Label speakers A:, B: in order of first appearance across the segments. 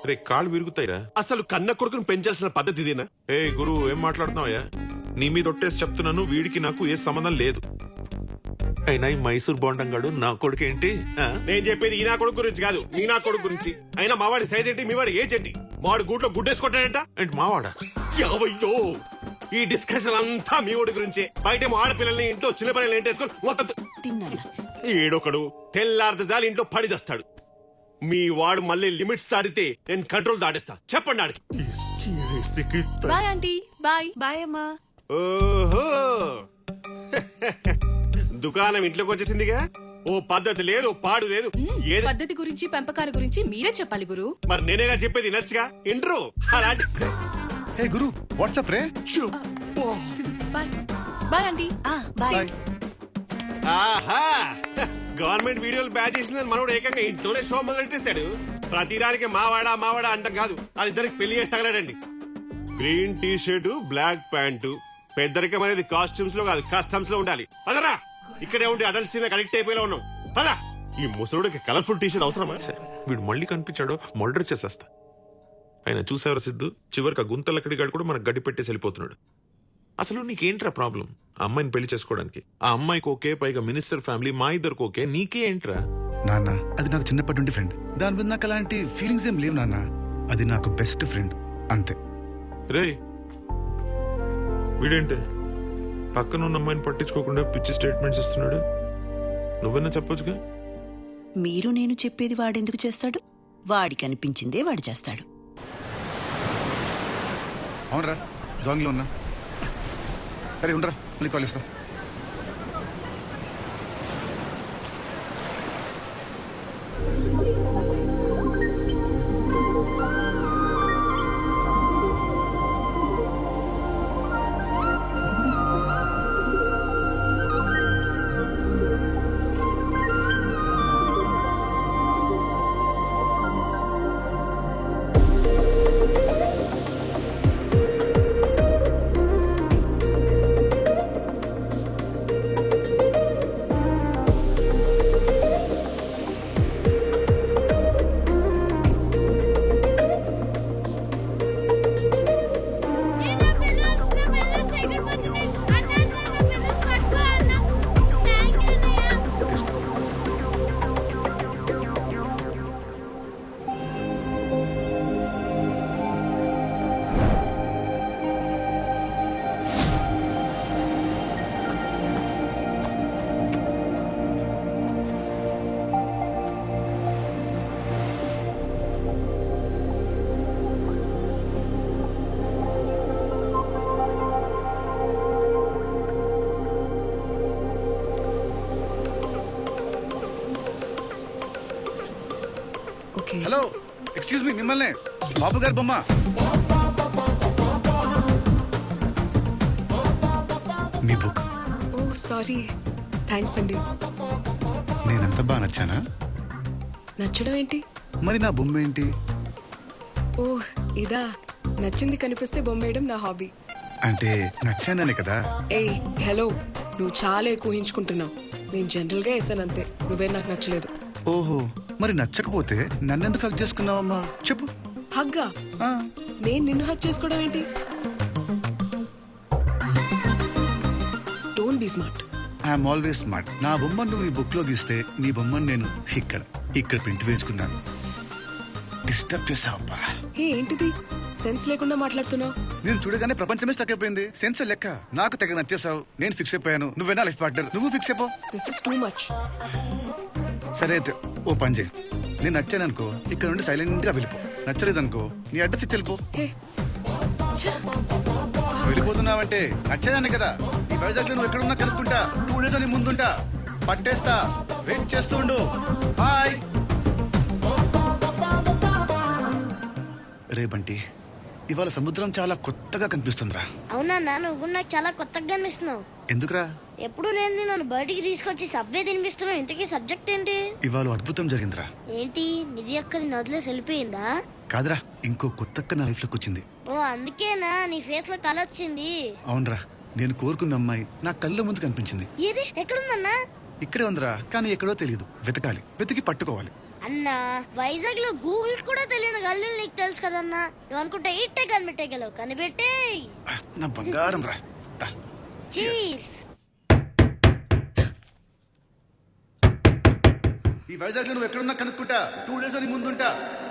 A: రే కాళ్ళు విరుగుతాయిరా.
B: అసలు కన్న కొడుకును పెంచాల్సిన పద్ధతి ఇదేనా?
A: ఏ గురు ఏం మాట్లాడుతున్నావయ్యా? నీ మీద ఒట్టేసి చెప్తున్నాను, వీడికి నాకు ఏ సంబంధం లేదు. అయినా ఈ మైసూర్ బోండంగాడు నా కొడుకు ఏంటి?
B: నేను చెప్పేది ఈ నా కొడుకు గురించి కాదు, నీ నా కొడుకు గురించి. అయినా మావాడి సైజ్ ఏంటి, మీవాడి ఏజ్ ఏంటి? మావాడి గూట్లో గుడ్డేసుకుంటాడంట.
A: ఏంటి మావాడా?
B: యావయ్యో, ఈ డిస్కషన్ అంతా మీ వాడి గురించే. బయటేమో ఆడపిల్లల్ని, ఇంట్లో చిన్న పిల్లల్ని ఏంటేసుకొని మొత్తం ఏడొకడు తెల్లారితే జాలి ఇంట్లో పడి చేస్తాడు. మీ వాడు మళ్ళీ లిమిట్స్ దాటితే నేను కంట్రోల్ దాటిస్తా. చెప్పండి ఆడికి.
C: Bye aunty. బాయ్.
D: బాయ్ అమ్మా.
B: ఓహో, దుకాణం ఇంట్లోకి వచ్చేసిందిగా. ఓ పద్ధతి లేదు, పాడు లేదు. ఏది
C: పద్ధతి గురించి పెంపకాల గురించి మీరే చెప్పాలి గురు.
B: మరి నేనేగా చెప్పేది నచ్చగా ఇంట్రో అలాంటి.
E: హే గురు, వాట్సాప్ రే.
C: బాయ్. Bye aunty.
D: బాయ్.
B: ఆహా, గవర్నమెంట్ వీడియోలు బ్యాచ్ చేసిందని మనోడు ఏకంగా ఇంట్లోనే షో మొదలెట్టేశాడు. ప్రతిదానికి మావాడా మావాడా అంటాం కాదు, అది ఇద్దరికి పెళ్లి చేసి తగలడండి. Green T shirt, black pant. పెద్దరికం అనేది కాస్ట్యూమ్స్ లో కాదు, కస్టమ్స్ లో ఉండాలి. పదరా, ఇక్కడే ఉండి అడల్ట్ సీన్ కనెక్ట్ అయిపోయేలా ఉన్నాం. పదా, ఈ ముసలుడికి కలర్ఫుల్ టీ షర్ట్ అవసరమా?
A: వీడు మళ్ళీ కనిపించాడో మర్డర్ చేసేస్తా. ఆయన చూసేవారు సిద్ధు, చివరికి ఆ గుంతలక్కడిగాడు కూడా మనకు గడ్డి పెట్టేసి వెళ్ళిపోతున్నాడు. అసలు నీకేంట్రా ప్రాబ్లం? ఆ అమ్మాయిని పెళ్లి చేసుకోవడానికి. ఆ అమ్మాయికి ఓకే, పైగా మినిస్టర్ ఫ్యామిలీ, మా ఇద్దరికి ఓకే, నీకే ఏంట్రా?
E: నాన్న, అది నాకు చిన్నప్పటి నుండి ఫ్రెండ్. దాని మీద నాకు అలాంటి ఫీలింగ్స్ ఏం లేవు నాన్న. అది నాకు బెస్ట్ ఫ్రెండ్ అంతే.
A: రే వీడేంటి పక్కన ఉన్న అమ్మాయిని పట్టించుకోకుండా పిచ్చి స్టేట్మెంట్స్ ఇస్తున్నాడు? నువ్వన్నా చెప్పొచ్చుగా.
D: మీరు నేను చెప్పేది వాడెందుకు చేస్తాడు? వాడికి అనిపించిందే వాడు చేస్తాడు.
E: అవునరా, దొంగలో ఉన్నా. అరే ఉండరా, మళ్ళీ కాల్ ఇస్తా. హలో, ఎక్స్క్యూజ్ మీ, మిమ్మల్ని. బాబు గారు బొమ్మ. మీ బుక్.
C: ఓ సారీ, థ్యాంక్స్ అండి.
E: నేనంత బాగా నచ్చానా?
C: నచ్చడం ఏంటి?
E: మరి నా బొమ్మ ఏంటి?
C: ఓ ఇదా, నచ్చింది కనిపిస్తే బొమ్మేయడం నా హాబీ.
E: అంటే నచ్చాననే కదా.
C: ఏయ్ హలో, నువ్వు చాలా ఎక్కువ ఊహించుకుంటున్నావు. నేను జనరల్ గా వేసాను అంతే, నువ్వే నాకు నచ్చలేదు.
E: ఓహో, మరి నచ్చకపోతే నన్నెందుకు హక్ చేసుకున్నావమ్మా? చెప్పు.
C: హగ్గా? నేను నిన్ను హక్ చేసుకోవడం ఏంటి? Don't be smart.
E: I'm always smart. నా బొమ్మను నువ్వు ఈ బుక్ లో గీస్తే నీ బొమ్మను నేను ఇక్కడ ప్రింట్ వేసుకున్నాను. డిస్టర్బ్ చేసావబ్బా.
C: ఏంటిది సెన్స్ లేకుండా మాట్లాడుతున్నావు?
E: నేను చూడగానే ప్రపంచమే స్టక్ అయిపోయింది. సెన్స్ లెక్క. నాకు తెగ నచ్చేసావు. నేను ఫిక్స్ అయిపోయాను. నువ్వేనా లైఫ్ పార్ట్నర్? నువ్వు ఫిక్స్ అయిపో.
C: This is too much.
E: సరే అయితే ఓ పని చేయి. నేను నచ్చాననుకో, ఇక్కడ నుండి సైలెంట్ గా వెళ్ళిపో. నచ్చలేదనుకో, నీ అడ్రస్ ఇచ్చి వెళ్ళిపో. వెళ్ళిపోతున్నావంటే నచ్చేదాన్ని కదా. ఈ వైజాగ్ నువ్వు ఎక్కడున్నా కనుక్కుంటా. 2 days అని ముందుంటా. పట్టేస్తా. వెయిట్ చేస్తూ ఉండు. బాయ్. రే బంటి, ఇవాళ సముద్రం చాలా కొత్తగా కనిపిస్తుందిరా.
F: అవునా, నువ్వు నాకు చాలా కొత్తగా కనిపిస్తున్నావు.
E: ఎందుకురా?
F: ఎప్పుడు లేని నన్ను బయటికి తీసుకొచ్చి సబ్వే తినిపిస్తున్నావు. ఇంతకీ సబ్జెక్ట్ ఏంటి?
E: ఇవాళ అద్భుతం జరిగిందిరా.
F: ఏంటి? నిధి అక్కది నదిలేసి వెళ్ళిపోయిందా?
E: కాదురా, ఇంకో కొత్తక్క నా లైఫ్ లోకి వచ్చింది.
F: ఓ అందుకేనా నీ ఫేస్ లో కళ వచ్చింది?
E: అవునరా, నేను కోరుకున్న అమ్మాయి నా కళ్ళ ముందు కనిపించింది.
F: ఏది? ఎక్కడుందన్నా?
E: ఇక్కడే ఉందిరా, కానీ ఎక్కడో తెలియదు. వెతకాలి, వెతికి పట్టుకోవాలి.
F: అన్నా వైజాగ్ లో గూగుల్ కూడా తెలియని గల్లీలు నీకు తెలుసు కదన్నా. నువ్వు అనుకుంటే ఇట్టే కనిపెట్టేయగలవు. కనిపెట్టే
E: నా బంగారం రా. దా.
F: చీర్స్.
E: ఈ వైజాగ్ లో నువ్వు ఎక్కడున్నా కనుక్కుంటా. 2 days అని ముందుంటా.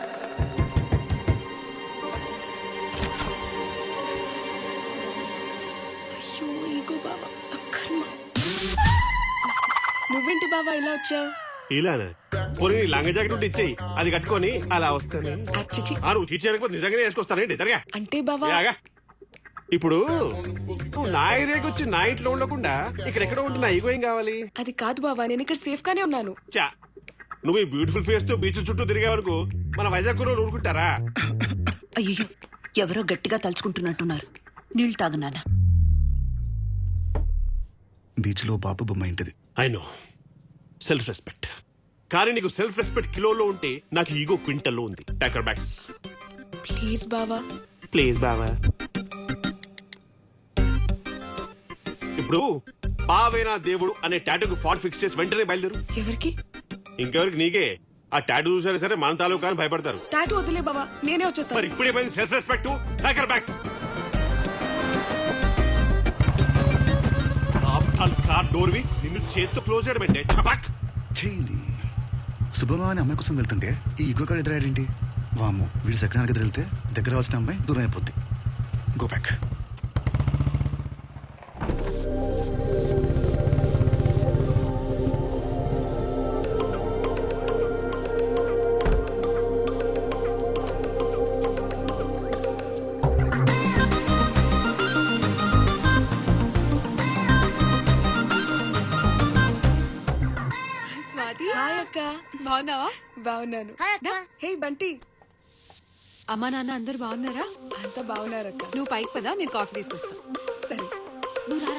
C: అయ్యో ఈగో బావా అక్కర్మ. నువ్వేంటి బావా ఇలా వచ్చావు?
B: ఇలానా? పోనీ నీ లంగ జాకెట్ ఉంటే ఇచ్చేయి, అది కట్టుకొని అలా వస్తాను.
C: అచ్చిచి
B: నువ్వు తీర్చేయకపోతే నిజంగానే వేసుకొస్తానండి. జరగా
C: అంటే బావా
B: యాగా. ఇప్పుడు నువ్వు నా ఏరియాకి వచ్చి నా ఇంట్లో ఉండకుండా ఇక్కడెక్కడ ఉంటే నా ఈగో ఏం కావాలి?
C: అది కాదు బావా, నేను ఇక్కడ సేఫ్ గానే ఉన్నాను.
B: చా, నువ్వు ఈ బ్యూటిఫుల్ ఫేస్ తో బీచ్ చుట్టూ తిరిగే వరకు మన వైజాగ్ రోజు ఊరుకుంటారా?
D: అయ్యో ఎవరో గట్టిగా తలుచుకుంటున్నట్టున్నారు. నీళ్ళు తాగు నాన్న.
E: బీచ్ లో బాబు బొమ్మ ఇంటిది.
B: I know, self respect. కానీ నీకు సెల్ఫ్ రెస్పెక్ట్ కిలోలో ఉంటే నాకు ఈగో క్వింటల్లో ఉంది. టాకర్ బ్యాగ్స్
C: ప్లీజ్ బావా.
B: ప్లీజ్ బావా. ఇప్పుడు బావేనా దేవుడు అనే టాటూకి ఫాంట్ ఫిక్స్ చేసి వెంటనే బయలుదేరు.
C: ఎవరికి?
B: ఇంకెవరికి? నీకే. ఆ టాటూ చూసారా సరే మన తాలూకా అని భయపడతారు.
C: టాటూ వదిలే బావా, నేనే
B: మరి
C: వచ్చేస్తాను.
B: ఇప్పుడేమైంది సెల్ఫ్ రెస్పెక్ట్? టాకర్ బ్యాగ్స్. ఆఫ్టర్ ఆల్ కార్ డోర్ వి నిన్ను చేత్తో క్లోజ్ చేయడం అంటే చపాక్.
E: చేయండి. శుభమా అనే అమ్మాయి కోసం వెళ్తుంటే ఈ ఈగో కాడ ఎదురాడేంటి? వాము, వీడి సెకండ్ దగ్గర వెళ్తే దగ్గర వచ్చిన అమ్మాయి దూరం అయిపోద్ది. Go back.
G: స్వాతి,
C: హాయ్ అక్క.
G: బాగున్నావా?
C: బాగున్నాను.
F: హాయ్ అక్క.
C: హే బంటి.
G: అమ్మా నాన్న అందరు బాగున్నారా?
C: అంతా బాగున్నారక్క.
G: నువ్వు పైకి పదా, నేను కాఫీ తీసుకొస్తా.
C: సరే.
G: నువ్వు రారా.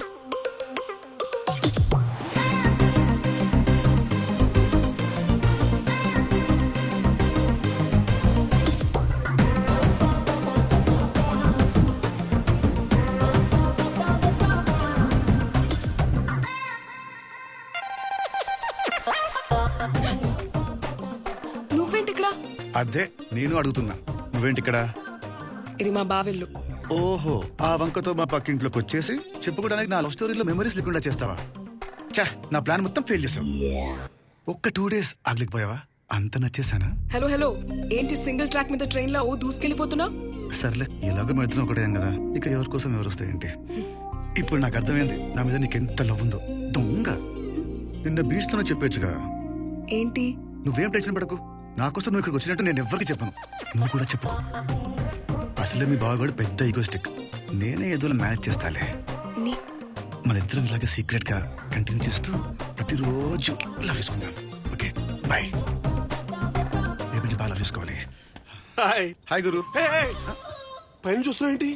C: నువ్వేంటి ఇక్కడ?
E: అదే నేను అడుగుతున్నా, నువ్వేంటి ఇక్కడ?
C: ఇది మా బావెల్లు.
E: ఓహో, ఆ వంకతో మా పక్కింట్లోకి వచ్చేసి చెప్పుకోవడానికి నా లవ్ స్టోరీలో మెమరీస్ లేకుండా చేస్తావా? చా, నా ప్లాన్ మొత్తం ఫెయిల్ చేసావు. ఒక్క 2 days ఆగలేకపోయావా? అంత నచ్చేసానా?
C: హలో హలో, ఏంటి సింగిల్ ట్రాక్ మీద ట్రైన్ లో దూసుకెళ్ళిపోతున్నావు?
E: సర్లే, ఎలాగో మెడుతున్నా ఒకటే కదా, ఇక ఎవరి కోసం ఎవరు వస్తాయేంటి? ఇప్పుడు నాకు అర్థమైంది నా మీద నీకెంత లవ్ ఉందో. దొంగ, నిన్న బీచ్ లోనే చెప్పొచ్చుగా.
C: ఏంటి?
E: నువ్వేం టెన్షన్ పడకు, నాకోసం నువ్వు ఇక్కడికి వచ్చినట్టు నేను ఎవ్వరికి చెప్పను. నువ్వు కూడా చెప్పుకో. అసలే మీ బావగాడు పెద్ద ఈగోస్టిక్. నేనే ఏదో మేనేజ్ చేస్తాలే.
C: నీ-
E: మన ఇద్దరం ఇలాగే సీక్రెట్ గా కంటిన్యూ చేస్తూ ప్రతిరోజు లవ్ చేసుకుందాం. Okay bye. రేపు నుంచి బాగా లవ్ చేసుకోవాలి.
B: హాయ్.
E: హాయ్ గురు.
B: Hey, hey. పైన చూస్తున్నావు ఏంటి?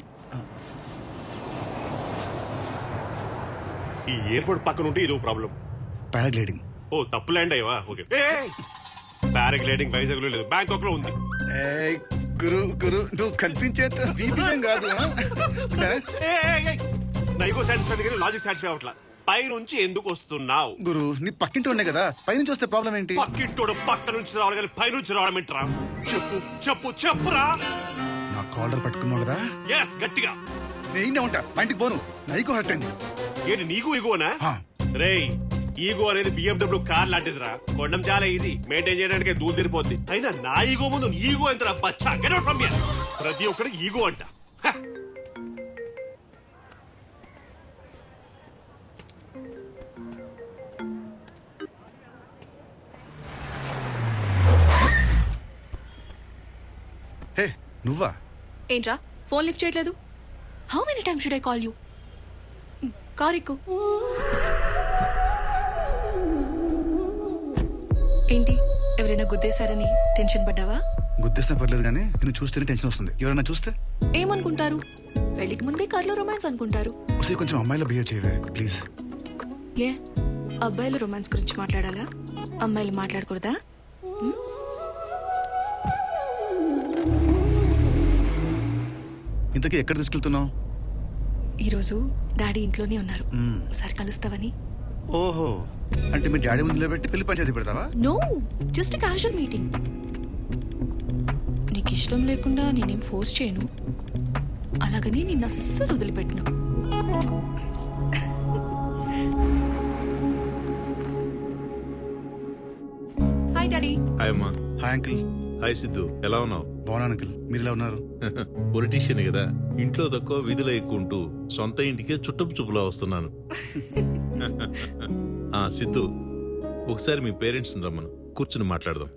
B: ఈ ఎయిర్పోర్ట్ పక్కన ఉంటే ఇదో ప్రాబ్లం.
E: పారాగ్లైడింగ్.
B: ఓ, తప్పు ల్యాండ్ అయ్యవా? ఓకే. పారాగ్లైడింగ్ వైజాగ్ లో లేదు, బ్యాంకాక్ లో ఉంది.
E: ఏయ్, గురు గురు నువ్వు కల్పించేంత వీపీఎం కాదు.
B: నైగో సాటిస్ఫై దగ్గర లాజిక్ సాటిస్ఫై అవట్లా. పై నుంచి ఎందుకు వస్తున్నావు?
E: గురు నీ పక్కింటి ఉండే కదా, పైనుంచి వస్తే ప్రాబ్లం ఏంటి?
B: పక్కింటోడు పక్క నుంచి రావాలి కానీ పై నుంచి రావడం ఏంట్రా? చెప్పు చెప్పు చెప్పురా.
E: నా కాలర్ పట్టుకున్నావు కదా,
B: ఎస్, గట్టిగా.
E: నేనే ఉంటా. పైంటికి పోను, నైకు హర్ట్ అయింది.
B: ఏంటి నీకు ఈగోనా?
E: హా.
B: రేయ్, ఈగో అనేది BMW కార్ లాంటిదిరా. కొనడం చాలా ఈజీ, మెయింటైన్ చేయడానికి దూరం తిరిపోద్ది. అయినా నా ఈగో ముందు ఈగో ఎంతరా బచ్చా? గెట్ అవుట్ ఫ్రమ్ హియర్. ప్రతి ఒక్కరికి ఈగో అంట. హ.
E: హే నువ్వా?
G: ఏంట్రా ఫోన్ లిఫ్ట్ చేయట్లేదు? How many times should I call you? Car ఎక్కు. ఏంటి, ఎవరైనా గుద్దేశారని టెన్షన్ పడ్డావా?
E: గుర్తిస్తే పర్లేదు కానీ నేను చూస్తేనే టెన్షన్ వస్తుంది. ఎవరైనా చూస్తే
G: ఏమనుకుంటారు? పెళ్లికి ముందే కార్లో రొమాన్స్ అనుకుంటారు.
E: ఒకసారి కొంచెం అమ్మాయిలో బిహేవ్ చేయవే ప్లీజ్.
G: ఏ అబ్బాయిలు రొమాన్స్ గురించి మాట్లాడాలా? అమ్మాయిలు మాట్లాడకూడదా?
E: ఇంతకీ ఎక్కడ తీసుకెళ్తున్నావు?
G: ఈరోజు డాడీ ఇంట్లోనే ఉన్నారు, ఒకసారి కలుస్తావని.
E: ఓహో, అంటే మీ డాడీ ముందు నిలబెట్టి పెళ్లి పంచాయతీ పెడతావా?
G: No, just casual meeting. నీకు ఇష్టం లేకుండా నేనేం ఫోర్స్ చేయను, అలాగని నిన్ను అస్సలు వదిలిపెట్టను. Hi daddy.
H: హాయ్ అమ్మా.
E: Hi uncle.
H: హాయ్ సిద్ధు, ఎలా ఉన్నావు?
E: బాగున్నాను అంకిల్, మీరు ఎలా ఉన్నారు?
H: పొలిటీషియన్ కదా, ఇంట్లో తక్కువ విధులు ఎక్కువ ఉంటూ సొంత ఇంటికే చుట్టపు చూపులా వస్తున్నాను. సిద్ధు, ఒకసారి మీ పేరెంట్స్ రమ్మను, కూర్చుని మాట్లాడదాం.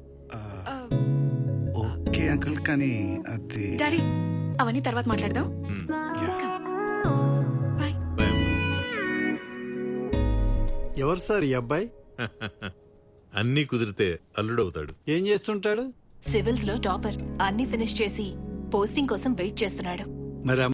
E: ఓకే అంకిల్, కానీ అది
G: డాడీ అవన్నీ తర్వాత మాట్లాడదాం. బాయ్.
H: బాయ్.
I: ఎవరు సార్ ఈ అబ్బాయి?
H: అన్నీ కుదిరితే అల్లుడవుతాడు.
I: ఏం చేస్తుంటాడు?
J: సివిల్స్ లో టాపర్, అన్ని ఫినిష్ చేసి పోస్టింగ్ కోసం వెయిట్ చేస్తున్నాడు.
I: మరి